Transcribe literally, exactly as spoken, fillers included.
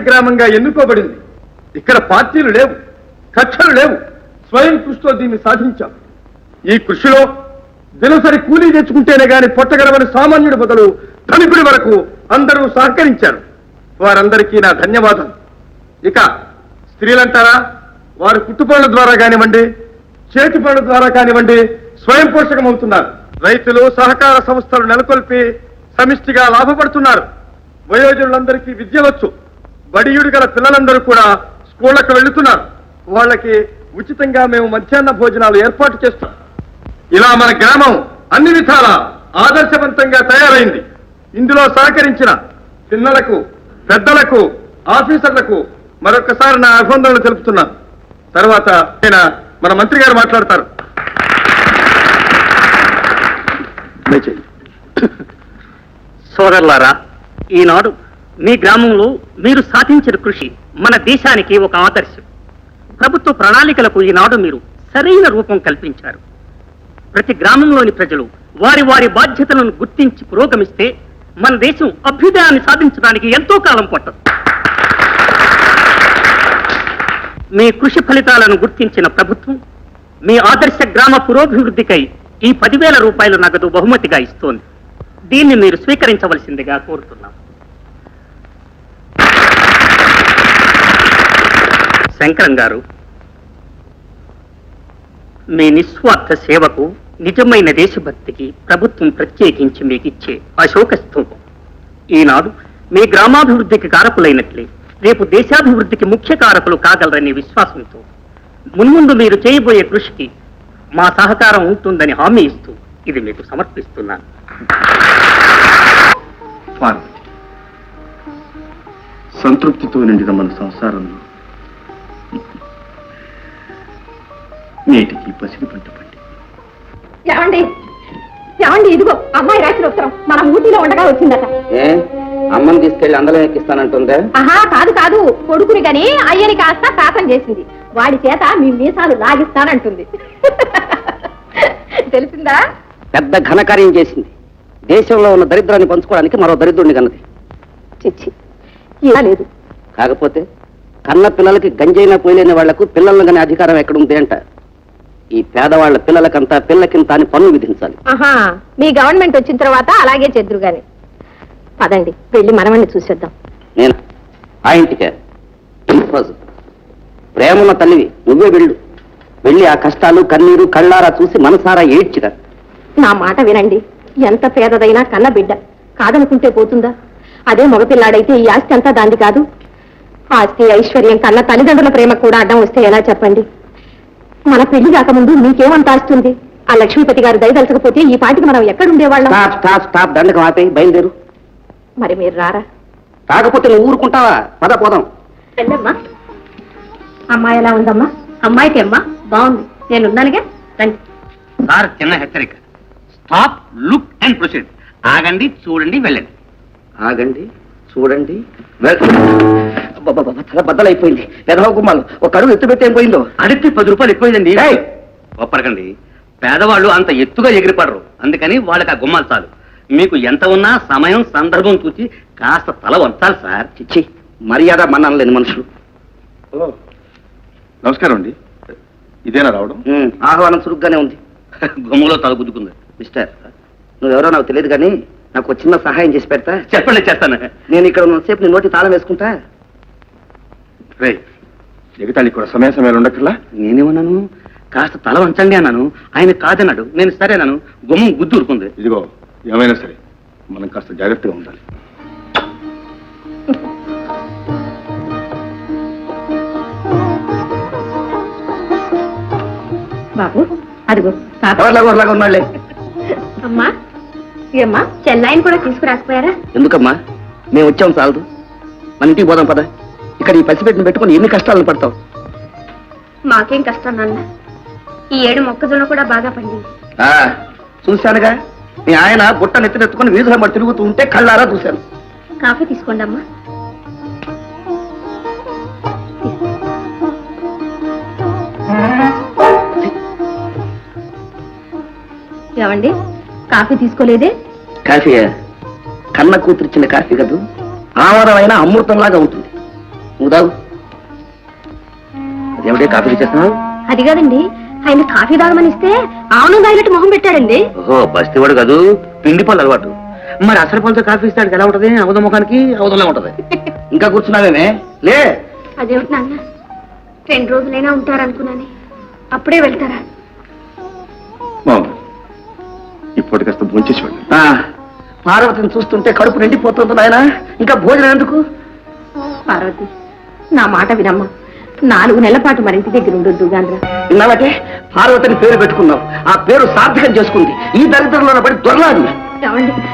గ్రామంగా ఎన్నుకోబడింది. ఇక్కడ పార్టీలు లేవు, కక్షలు లేవు. స్వయం కృషితో దీన్ని సాధించాం. ఈ కృషిలో దినసరి కూలీ తెచ్చుకుంటేనే గాని పొట్టగలవని సామాన్యుడి బదులు ధనికుడి వరకు అందరూ సహకరించారు. వారందరికీ నా ధన్యవాదాలు. ఇక స్త్రీలంటారా, వారు కుట్టుపనుల ద్వారా కానివ్వండి, చేతి పనుల ద్వారా కానివ్వండి స్వయం పోషకమవుతున్నారు. రైతులు సహకార సంస్థలు నెలకొల్పి సమిష్టిగా లాభపడుతున్నారు. వయోజనులందరికీ విద్య వచ్చు. బడియుడు గల పిల్లలందరూ కూడా స్కూళ్లకు వెళ్తున్నారు. వాళ్ళకి ఉచితంగా మేము మధ్యాహ్న భోజనాలు ఏర్పాటు చేస్తాం. ఇలా మన గ్రామం అన్ని విధాల ఆదర్శవంతంగా తయారైంది. ఇందులో సహకరించిన పిల్లలకు, పెద్దలకు, ఆఫీసర్లకు మరొకసారి నా అభినందనలు తెలుపుతున్నాను. తర్వాత ఆయన మన మంత్రి గారు మాట్లాడతారు. సోదరులారా, ఈనాడు మీ గ్రామంలో మీరు సాధించిన కృషి మన దేశానికి ఒక ఆదర్శం. ప్రభుత్వ ప్రణాళికలకు ఈనాడు మీరు సరైన రూపం కల్పించారు. ప్రతి గ్రామంలోని ప్రజలు వారి వారి బాధ్యతలను గుర్తించి పురోగమిస్తే మన దేశం అభ్యుదయాన్ని సాధించడానికి ఎంతో కాలం పట్టదు. మీ కృషి ఫలితాలను గుర్తించిన ప్రభుత్వం మీ ఆదర్శ గ్రామ పురోభివృద్ధికై ఈ పదివేల రూపాయల నగదు బహుమతిగా ఇస్తోంది. దీన్ని మీరు స్వీకరించవలసిందిగా కోరుతున్నాం. శంకరం గారు, మీ నిస్వార్థ సేవకు, నిజమైన దేశభక్తికి ప్రభుత్వం ప్రత్యేకించి మీకు ఇచ్చే అశోక స్తూపం ఈనాడు మీ గ్రామాభివృద్ధికి కారకులైనట్లే రేపు దేశాభివృద్ధికి ముఖ్య కారకులు కాగలరనే విశ్వాసంతో మున్ముందు మీరు చేయబోయే కృషికి మా సహకారం ఉంటుందని హామీ ఇస్తూ ఇది మీకు సమర్పిస్తున్నాను. సంతృప్తితో నిండిన మన సంసారంలో నేటికి పసిడి పంట పండి. ఏమండి ఏమండి ఇదిగో అమ్మాయి రాసిన ఉత్తరం మన ఊటీలో ఉండగా వచ్చిందట. అమ్మని తీసుకెళ్లి అందరం ఎక్కిస్తానంటుందే? ఆహా, కాదు కాదు, కొడుకుని గాని అయ్యని కాస్త శాతం చేసింది. వాడి చేత మీ మీసాలు లాగిస్తానంటుంది. తెలిసిందా? పెద్ద ఘనకార్యం చేసింది. దేశంలో ఉన్న దరిద్రాన్ని పంచుకోవడానికి మరో దరిద్రుడిని కన్నది. చిచ్చి, ఇలా లేదు. కాకపోతే కన్న పిల్లలకి గంజైనా పోయలేని వాళ్లకు పిల్లలను కానీ అధికారం ఎక్కడుంది అంట. ఈ పేదవాళ్ల పిల్లలకంతా పిల్లకింత అని పన్ను విధించాలి. ఆహా, మీ గవర్నమెంట్ వచ్చిన తర్వాత అలాగే చెద్దురు గాని. పదండి వెళ్ళి మనవణ్ణి చూసేద్దాం. నేను ఆ ఇంటికే ప్రేమన్న తల్లివి, నువ్వే వెళ్ళు. వెళ్ళి ఆ కష్టాలు కన్నీరు కళ్ళారా చూసి మనసారా ఏడ్చిరా. నా మాట వినండి. ఎంత పేదదైనా కన్న బిడ్డ కాదనుకుంటే పోతుందా? అదే మగపిల్లాడైతే ఈ ఆస్తి అంతా దాంది కాదు. ఆస్తి ఐశ్వర్యం కన్నా తల్లిదండ్రుల ప్రేమ కూడా అడ్డం వస్తే ఎలా చెప్పండి? మన పెళ్లి కాకముందు మీకేమంత ఆస్తుంది? ఆ లక్ష్మీపతి గారు దయదలచకపోతే ఈ పాటికి మనం ఎక్కడుండేవాళ్ళం? దండకం ఆపే, బయలుదేరు. మరి మీరు రారా? కాకపోతే నువ్వు ఊరుకుంటావా? పద పోదాం. రండమ్మా. అమ్మాయి ఎలా ఉందమ్మా? అమ్మాయికి అమ్మా బాగుంది, నేనున్నానుగా. రండి. సార్, చిన్న హెచ్చరిక. Stop, look and proceed. ఆగండి, చూడండి, వెళ్ళండి. ఆగండి, చూడండి, తల బద్దలైపోయింది. పెదవ గుమ్మాలు ఒక అడుగు ఎత్తు పెట్టి ఏం పోయిందో? అడిగి పది రూపాయలు ఎక్కువైందండి. ఒప్పరకండి, పేదవాళ్ళు అంత ఎత్తుగా ఎగిరిపడరు. అందుకని వాళ్ళకి ఆ గుమ్మాలు చాలు. మీకు ఎంత ఉన్నా సమయం సందర్భం చూసి కాస్త తల వంచాలి సార్. చిచ్చి, మర్యాద మన్నలేని మనుషులు. నమస్కారం అండి. ఇదేనా రావడం? ఆహ్వానం చురుగ్గానే ఉంది. గుమ్మలో తల గుద్దుకుంది. మిస్టర్, నువ్వెవరో నాకు తెలియదు కానీ నాకు ఒక చిన్న సహాయం చేసి పెడతా? చెప్పండి, చేస్తాను. నేను ఇక్కడ ఉన్నసేపు నీ నోటి తాళం వేసుకుంటా. రే, ఎగతాళి కూడా సమయ సమయాలు ఉండక్కర్లా. నేనేమన్నాను? కాస్త తల వంచండి అన్నాను. ఆయన కాదన్నాడు. నేను సరేనాను. గుమ్మం గుద్దు ఊరుకుంది. ఇదిగో, ఏమైనా సరే మనం కాస్త జాగ్రత్తగా ఉండాలి. బాబు అదిగో ఉన్నాళ్లే. అమ్మా, ఏమ్మా చెల్లాయిని కూడా తీసుకురాకపోయారా? ఎందుకమ్మా, మేము వచ్చాం చాలదు. మన ఇంటికి పోదాం పద. ఇక్కడ ఈ పసిపెట్టిన పెట్టుకుని ఎన్ని కష్టాలను పడతావు? మాకేం కష్టం నాన్న, ఈ ఏడు మొక్కజొన్న కూడా బాగా పండింది. చూశానుగా, మీ ఆయన బుట్ట నెత్తినెత్తుకుని వీధుల మరి తిరుగుతూ ఉంటే కళ్ళారా చూశాను. కాఫీ తీసుకోండి అమ్మా. ఏమండి, కాఫీ తీసుకోలేదే? కాఫీయా? కన్న కూతురిచ్చిన కాఫీ కదూ, ఆమరమైన అమృతంలాగా ఉంటుంది. ఉదావు అదేమిటే కాఫీ చేస్తున్నావు? అది కాదండి, ఆయన కాఫీ తాగమని ఇస్తే ఆవును తాగినట్టు మొహం పెట్టాడండి. ఓహో బస్తీవాడు కాదు, పిండి పళ్ళు అలవాటు. మరి అసలు పళ్ళతో కాఫీ ఇస్తాడు ఎలా ఉంటది? అవధ ముఖానికి అవధంలో ఉంటది. ఇంకా కూర్చున్నావేమే? లే. అదేమిటి నాన్న, రెండు రోజులైనా ఉంటారనుకున్నాను, అప్పుడే వెళ్తారా? ఇప్పటి కాస్త భోంచేసేవాడు. ఆ, పార్వతిని చూస్తుంటే కడుపు నిండిపోతుంది నాయన, ఇంకా భోజనం ఎందుకు? పార్వతి, నా మాట వినమ్మా, నాలుగు నెలల పాటు మరింటి దగ్గర ఉండొద్దు గాంధ్ర. ఇన్నాళ్ళకే పార్వతిని పేరు పెట్టుకున్నావు, ఆ పేరు సార్థకం చేసుకుంది. ఈ దరిద్రంలో పడి దొరలాడు. ఏమండి,